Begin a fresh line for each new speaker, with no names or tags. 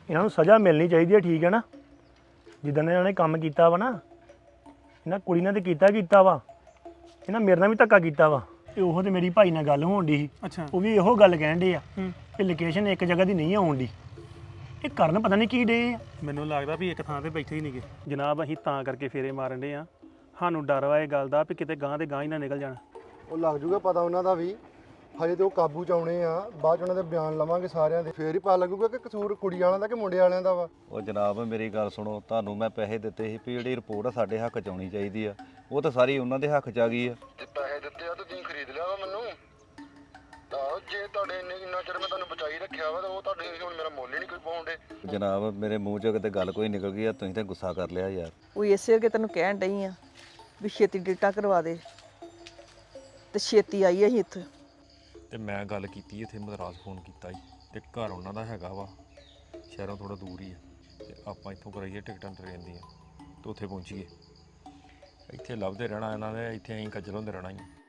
ਇਹਨਾਂ ਨੂੰ ਸਜ਼ਾ ਮਿਲਣੀ ਚਾਹੀਦੀ ਹੈ, ਠੀਕ ਹੈ ਨਾ। ਜਿੱਦਾਂ ਇਹਨਾਂ ਨੇ ਕੰਮ ਕੀਤਾ ਵਾ ਨਾ, ਇਹਨਾਂ ਕੁੜੀ ਨਾਲ ਤੇ ਕੀਤਾ ਵਾ, ਇਹਨਾਂ ਮੇਰੇ ਨਾਲ ਵੀ ਧੱਕਾ ਕੀਤਾ ਵਾ। ਤੇ ਉਹ ਤੇ ਮੇਰੀ ਭਾਈ ਨਾਲ ਗੱਲ ਹੋਣ ਦੀ ਸੀ।
ਅੱਛਾ।
ਉਹ ਵੀ ਇਹੋ ਗੱਲ ਕਹਿਣ ਡੇ ਆ ਕਿ ਲੋਕੇਸ਼ਨ ਇੱਕ ਜਗ੍ਹਾ ਦੀ ਨਹੀਂ ਆਉਣ ਦੀ। ਇਹ ਕਰਨ ਪਤਾ ਨਹੀਂ ਕੀ ਡੇ ਆ।
ਮੈਨੂੰ ਲੱਗਦਾ ਵੀ ਇੱਕ ਥਾਂ ਤੇ ਬੈਠੇ ਹੀ ਨਹੀਂਗੇ ਜਨਾਬ। ਅਸੀਂ ਤਾਂ ਕਰਕੇ ਫੇਰੇ ਮਾਰਨ ਡੇ ਆ, ਸਾਨੂੰ ਡਰ ਵਾ ਇਹ ਗੱਲ ਦਾ ਵੀ ਕਿਤੇ ਗਾਂ ਦੇ ਗਾਂ ਹੀ ਨਾ ਨਿਕਲ ਜਾਣ।
ਉਹ ਲੱਗ ਜੂਗਾ ਪਤਾ ਉਹਨਾਂ ਦਾ ਵੀ। ਹਜੇ ਤੇ ਉਹ ਕਾਬੂ ਚ ਆਉਣੇ ਆ, ਬਾਅਦ ਚ ਉਹਨਾਂ ਦੇ ਬਿਆਨ ਲਵਾਂਗੇ ਸਾਰਿਆਂ ਦੇ, ਫੇਰ ਹੀ ਪਤਾ ਲੱਗੂਗਾ ਕਿ ਕਸੂਰ ਕੁੜੀ ਵਾਲਿਆਂ ਦਾ ਕਿ ਮੁੰਡੇ ਵਾਲਿਆਂ ਦਾ ਵਾ।
ਉਹ ਜਨਾਬ ਮੇਰੀ ਗੱਲ ਸੁਣੋ, ਤੁਹਾਨੂੰ ਮੈਂ ਪੈਸੇ ਦਿੱਤੇ ਸੀ ਵੀ ਜਿਹੜੀ ਰਿਪੋਰਟ ਆ ਸਾਡੇ ਹੱਕ 'ਚ ਆਉਣੀ ਚਾਹੀਦੀ ਆ, ਉਹ ਤਾਂ ਸਾਰੀ ਉਹਨਾਂ ਦੇ ਹੱਕ 'ਚ ਆ ਗਈ ਆ।
ਤੇ ਪੈਸੇ ਦਿੱਤੇ ਆ ਤੇ ਤੁਸੀਂ ਖਰੀਦ ਲਿਆ ਵਾ ਮੈਨੂੰ। ਤਾਂ ਜੇ ਤੁਹਾਡੇ ਇੰਨਾ ਚਿਰ ਮੈਂ ਤੁਹਾਨੂੰ ਬਚਾਈ ਰੱਖਿਆ ਵਾ ਤਾਂ ਉਹ ਤੁਹਾਡੇ ਹੁਣ ਮੇਰਾ ਮੁੱਲ ਹੀ ਨਹੀਂ ਕੋਈ ਪਾਉਂਦੇ।
ਜਨਾਬ ਮੇਰੇ ਮੂੰਹ 'ਚੋਂ ਕਿਤੇ ਗੱਲ ਕੋਈ ਨਿਕਲ ਗਈ ਆ, ਤੁਸੀਂ ਤਾਂ ਗੁੱਸਾ ਕਰ ਲਿਆ ਯਾਰ।
ਉਹ ਇਸੇ ਕਰਕੇ ਤੈਨੂੰ ਕਹਿਣ ਡਈ ਆ ਵੀ ਛੇਤੀ ਡਿਟਾ ਕਰਵਾ ਦੇ, ਤੇ ਛੇਤੀ ਆਈ ਅਸੀਂ ਇੱਥੇ।
ਤੇ ਮੈਂ ਗੱਲ ਕੀਤੀ ਇੱਥੇ ਮਦਰਾਸ ਫੋਨ ਕੀਤਾ ਸੀ ਤੇ ਘਰ ਉਹਨਾਂ ਦਾ ਹੈਗਾ ਵਾ ਸ਼ਹਿਰੋਂ ਥੋੜਾ ਦੂਰ ਹੀ ਆ, ਤੇ ਆਪਾਂ ਇੱਥੋਂ ਕਰਾਈਏ ਟਿਕਟਾਂ ਟ੍ਰੇਨ ਦੀਆਂ ਤੇ ਉੱਥੇ ਪਹੁੰਚੀਏ। ਇੱਥੇ ਲੱਭਦੇ ਰਹਿਣਾ ਇਹਨਾਂ ਦੇ, ਇੱਥੇ ਅਸੀਂ ਕੱਜਲ ਹੁੰਦੇ ਰਹਿਣਾ ਹੀ।